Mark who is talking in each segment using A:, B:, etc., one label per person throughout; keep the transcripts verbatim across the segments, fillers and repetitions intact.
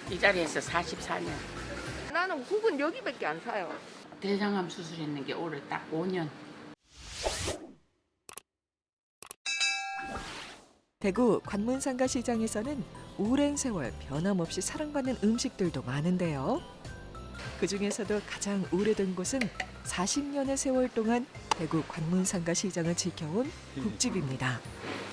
A: 이 자리에서 사십사 년.
B: 나는 국은 여기밖에 안 사요.
A: 대장암 수술했는 게 올해 딱 오 년.
C: 대구 관문상가 시장에서는 오랜 세월 변함없이 사랑받는 음식들도 많은데요. 그중에서도 가장 오래된 곳은 사십 년의 세월 동안 대구 관문상가 시장을 지켜온 국집입니다.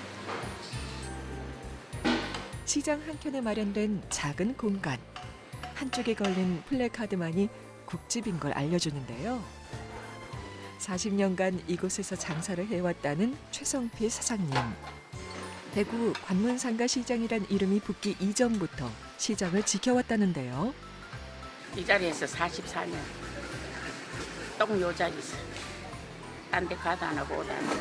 C: 시장 한켠에 마련된 작은 공간. 한쪽에 걸린 플래카드만이 국집인 걸 알려주는데요. 사십 년간 이곳에서 장사를 해왔다는 최성필 사장님. 대구 관문상가 시장이란 이름이 붙기 이전부터 시장을 지켜왔다는데요.
A: 이 자리에서 사십사 년. 똥 요 자리에서. 딴 데 가도 안 하고 오도 안 하고.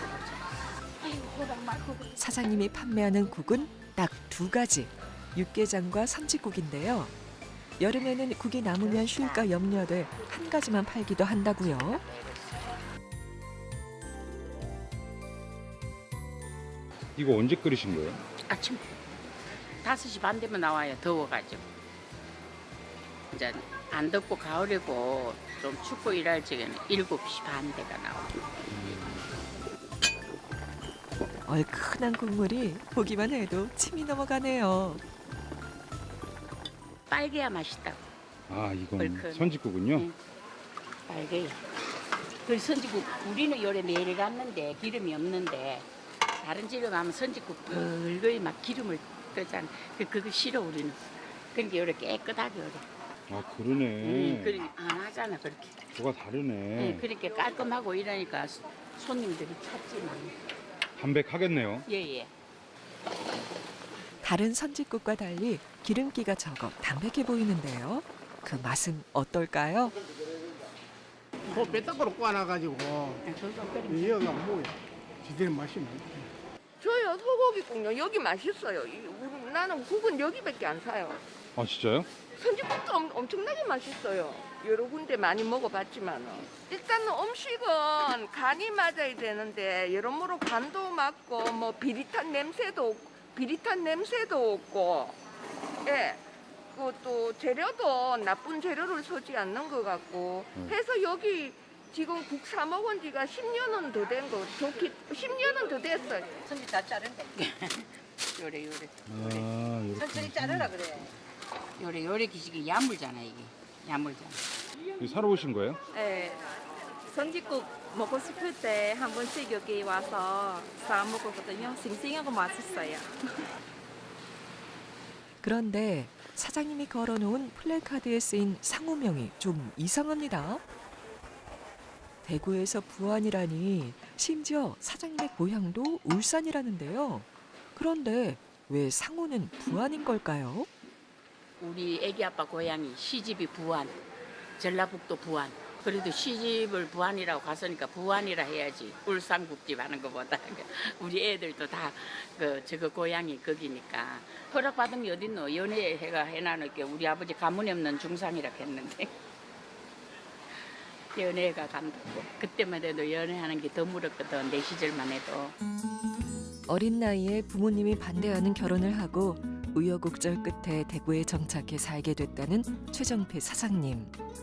C: 사장님이 판매하는 국은 딱 두 가지. 육개장과 선지국인데요. 여름에는 국이 남으면 쉴까 염려돼 한 가지만 팔기도 한다고요.
D: 이거 언제 끓이신 거예요?
A: 아침 다섯 시 반 되면 나와요. 더워가지고. 이제 안 덥고 가을이고 좀 춥고 일할 적에는 일곱 시 반 대가 나와요.
C: 얼큰한 국물이 보기만 해도 침이 넘어가네요.
A: 빨개야 맛있다고.
D: 아, 이건
A: 얼큰.
D: 선지국은요?
A: 응. 빨개요. 그 선지국 우리는 요래 매일 갔는데 기름이 없는데 다른 집에 가면 선지국 벌거리 막 기름을 뜨잖아. 그 그거 싫어 우리는. 그러니까 요래 깨끗하게 요래.
D: 아, 그러네.
A: 응, 그러니까 안 하잖아 그렇게.
D: 뭐가 다르네.
A: 응, 그렇게 깔끔하고 이러니까 소- 손님들이 찾지만.
D: 담백하겠네요.
A: 예예.
C: 다른 선지국과 달리 기름기가 적어 담백해 보이는데요. 그 맛은 어떨까요?
E: 그 뼈떡으로 꽈놔가지고 이어가 뭐야 제대로 맛이 나요.
B: 저요 소고기국요. 여기 맛있어요. 이- 우리- 나는 국은 여기밖에 안 사요.
D: 아, 진짜요?
B: 선지국도 엄, 엄청나게 맛있어요. 여러 군데 많이 먹어봤지만 일단은 음식은 간이 맞아야 되는데 여러모로 간도 맞고 뭐 비릿한 냄새도 없- 비릿한 냄새도 없고 예. 그또 재료도 나쁜 재료를 쓰지 않는 것 같고
D: 음.
B: 해서 여기 지금 국 사 먹은 지가 십 년은 더 된 거, 좋기 십 년은 더 됐어요.
F: 선지 다 자른대.
A: 요래 요래
D: 아, 이렇게.
F: 천천히 자르라 그래.
A: 요래 요래 기식이 야물잖아 이게. 야물잖아.
D: 이거 사러 오신 거예요?
G: 네, 선지국 먹고 싶을 때 한 번씩 여기 와서 사 먹거든요. 싱싱하고 맛있어요.
C: 그런데 사장님이 걸어놓은 플래카드에 쓰인 상호명이 좀 이상합니다. 대구에서 부안이라니 심지어 사장님의 고향도 울산이라는데요. 그런데 왜 상호는 부안인 걸까요?
A: 우리 애기 아빠 고향이 시집이 부안, 전라북도 부안. 그래도 시집을 부안이라고 갔으니까 부안이라 해야지. 울산국집 하는 것보다 우리 애들도 다 그 저거 고향이 거기니까. 허락받은 게 어딨노? 연애해가 해놔놓게 우리 아버지 가문이 없는 중상이라 했는데 연애가 간다고. 그때만 해도 연애하는 게 더 물었거든. 내 시절만 해도.
C: 어린 나이에 부모님이 반대하는 결혼을 하고 우여곡절 끝에 대구에 정착해 살게 됐다는 최정필 사장님.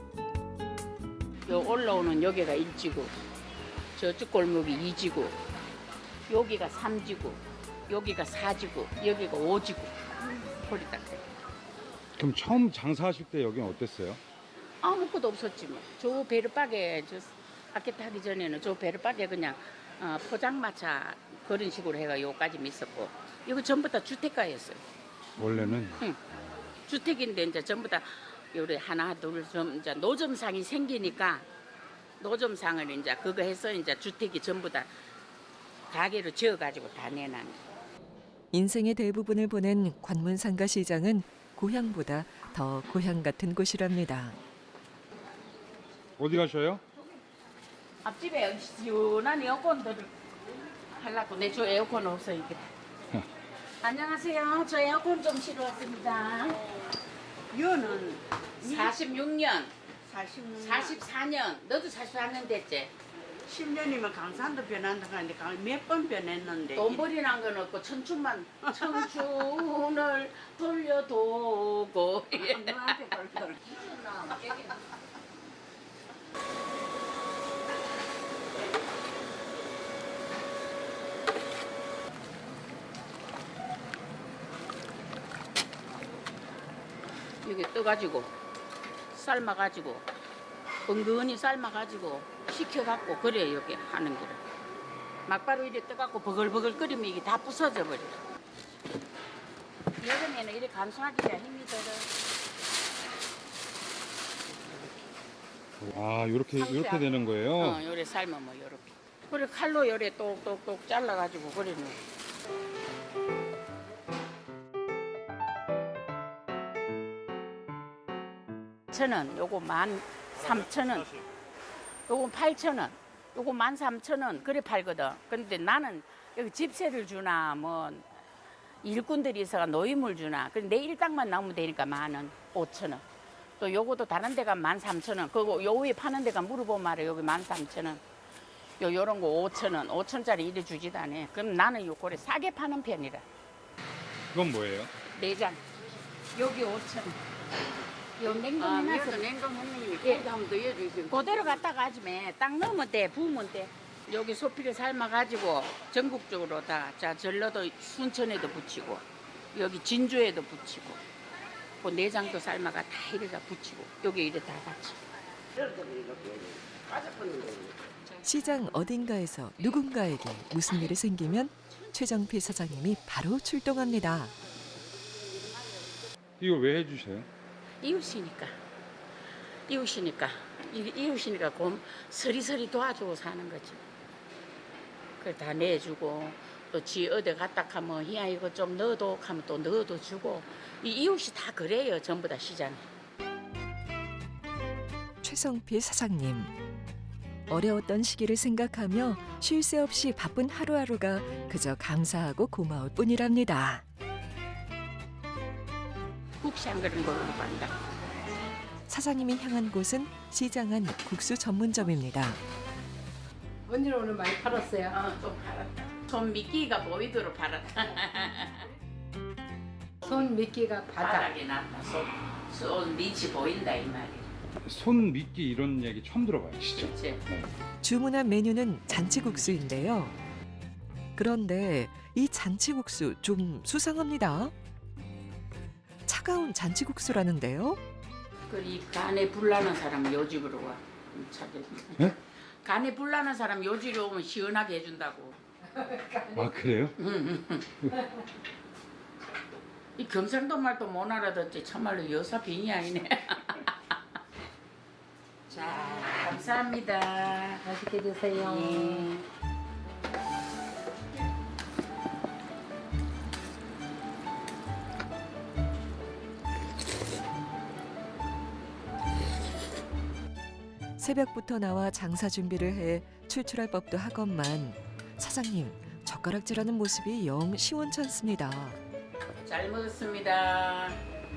A: 요 올라오는 여기가 일 지구, 저쪽 골목이 이 지구, 여기가 삼 지구, 여기가 사 지구, 여기가 오 지구. 소리 딱 돼.
D: 그럼 처음 장사하실 때 여기는 어땠어요?
A: 아무것도 없었지 뭐. 저 베르박에 저 아켓 하기 전에는 저 베르박에 그냥 어, 포장마차 그런 식으로 해가 요까지 있었고 이거 전부 다 주택가였어요.
D: 원래는?
A: 응. 주택인데 이제 전부 다 요래 하나 둘 좀 이제 노점상이 생기니까 노점상을 이제 그거 해서 이제 주택이 전부 다 가게로 지어가지고 다 내놨네.
C: 인생의 대부분을 보낸 관문상가 시장은 고향보다 더 고향 같은 곳이랍니다.
D: 어디 가셔요?
A: 앞집에 시원한 에어컨들을 하려고 내 저 에어컨 없어 이게. 안녕하세요. 저 에어컨 좀 실어 왔습니다.
F: 이거는
A: 사십육 년, 사십사 년, 너도 사십사 년 됐지?
H: 십 년이면 강산도 변한다 하는데 몇 번 변했는데
A: 돈벌이 난 건 없고 청춘만 청춘을 돌려도고
H: 너한테 걸걸.
A: 여기 떠가지고 삶아가지고 은근히 삶아가지고 식혀갖고 그래 여기 하는 거를 막바로 이래 떠갖고 버글버글 끓이면 이게 다 부서져 버려. 여름에는 이래 감수하기가 힘이 들어.
D: 아, 요렇게 요렇게 되는 거예요?
A: 어, 요래 삶으면 뭐 요렇게. 그래 칼로 요래 똑똑똑 잘라가지고 그래는. 천 원, 요거 만 삼천 원, 요거 팔천 원, 요거 만 삼천 원 그래 팔거든. 근데 나는 여기 집세를 주나 뭐 일꾼들이 있어가 노임을 주나. 그래 내 일당만 나오면 되니까 만 원, 오천 원. 또 요것도 다른 데가 만 삼천 원. 그리고 요 위에 파는 데가 물어보면 말해 여기 만 삼천 원. 요 요런 거 오천 원, 오천짜리 이래 주지도 않아. 그럼 나는 요 고래 싸게 파는 편이라.
D: 이건 뭐예요?
A: 내장. 여기 오천 원. 요
H: 아,
A: 냉동해놨어.
H: 위에서 냉동했는데
A: 예.
H: 거기다 한번 더 넣어주세요.
A: 그대로 갖다가 하지매 딱 넣으면 돼, 부으면 돼. 여기 소피를 삶아가지고 전국적으로 다, 자 전라도 순천에도 붙이고 여기 진주에도 붙이고 그 내장도 삶아가 다 이래다 붙이고 여기 이래 다 같이.
C: 시장 어딘가에서 누군가에게 무슨 일이 생기면 최정필 사장님이 바로 출동합니다.
D: 이거 왜 해주세요?
A: 이웃이니까 이웃이니까 이- 이웃이니까 곰 서리서리 도와주고 사는 거지. 그래 다 내주고 또 지 어디 갔다 하면 야 이거 좀 넣어도 하면 또 넣어도 주고 이 이웃이 다 그래요 전부 다 시장에.
C: 최성필 사장님. 어려웠던 시기를 생각하며 쉴 새 없이 바쁜 하루하루가 그저 감사하고 고마울 뿐이랍니다.
A: 국시 한 그릇 먹으러 간다.
C: 사장님이 향한 곳은 시장 안 국수 전문점입니다.
F: 언니는 오늘 많이 팔았어요.
A: 어, 좀 팔았다. 손 미끼가 보이도록 팔았다.
F: 손 미끼가 바닥.
A: 바닥에 났다. 손, 손 밑이 보인다 이 말이야.
D: 손 미끼 이런 얘기 처음 들어봐요, 진짜.
A: 그치?
C: 주문한 메뉴는 잔치국수인데요. 그런데 이 잔치국수 좀 수상합니다. 차가운 잔치국수라는데요.
A: 그이 간에 불나는 사람 요 집으로 와. 음, 차게.
D: 네?
A: 간에 불나는 사람 요 집으로 오면 시원하게 해준다고.
D: 아, 그래요?
A: 이 경상도 말도 못 알아듣지 참말로 여사 빙이 아니네. 자, 감사합니다.
F: 맛있게 드세요.
A: 예.
C: 새벽부터 나와 장사 준비를 해 출출할 법도 하건만 사장님 젓가락질하는 모습이 영 시원찮습니다.
A: 잘 먹었습니다.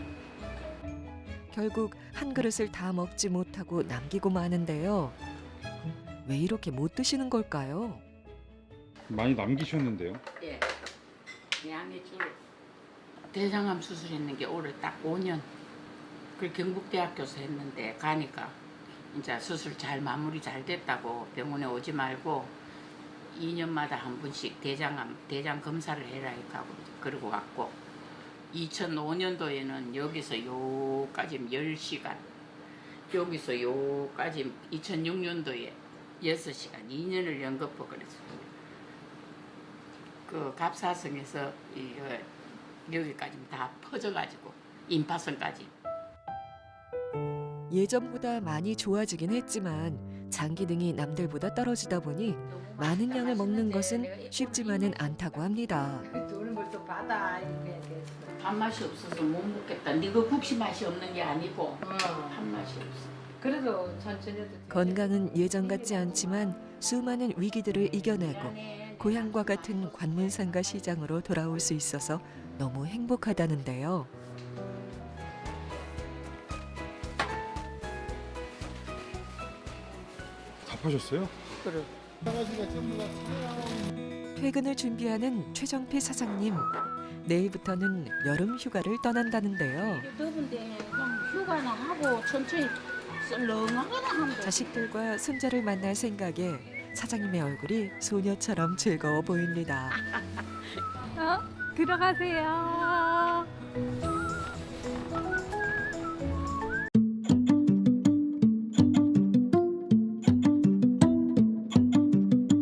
C: 결국 한 그릇을 다 먹지 못하고 남기고 마는데요. 왜 이렇게 못 드시는 걸까요?
D: 많이 남기셨는데요.
A: 예. 양의 줄. 대장암 수술했는 게 올해 딱 오 년. 그 경북대학교에서 했는데 가니까 이제 수술 잘 마무리 잘 됐다고 병원에 오지 말고 이 년마다 한 번씩 대장암 대장 검사를 해라 하고 그러고 왔고 이천오 년도에는 여기서 요까지 열 시간 여기서 요까지 이천육 년도에 여섯 시간 이 년을 연거푸 그랬어요. 그 갑사성에서 이, 어, 여기까지 다 퍼져가지고 임파선까지.
C: 예전보다 많이 좋아지긴 했지만 장 기능이 남들보다 떨어지다 보니 많은 양을 먹는 것은 쉽지만은 않다고 합니다.
F: 돈을 벌써 받아 이렇게 됐어.
A: 밥맛이 없어서 못 먹겠다. 네가 국시 맛이 없는 게 아니고
F: 어.
A: 밥맛이 없어.
F: 그래도 천천히 해도 돼.
C: 건강은 예전 같지 않지만 수많은 위기들을 이겨내고 고향과 같은 관문상가 시장으로 돌아올 수 있어서 너무 행복하다는데요.
D: 답하셨어요?
A: 그래.
C: 퇴근을 준비하는 최정필 사장님. 내일부터는 여름 휴가를 떠난다는데요.
A: 더운데 좀 휴가나 하고 천천히 썰렁하거나 하면 돼.
C: 자식들과 손자를 만날 생각에 사장님의 얼굴이 소녀처럼 즐거워 보입니다.
G: 어? 들어가세요.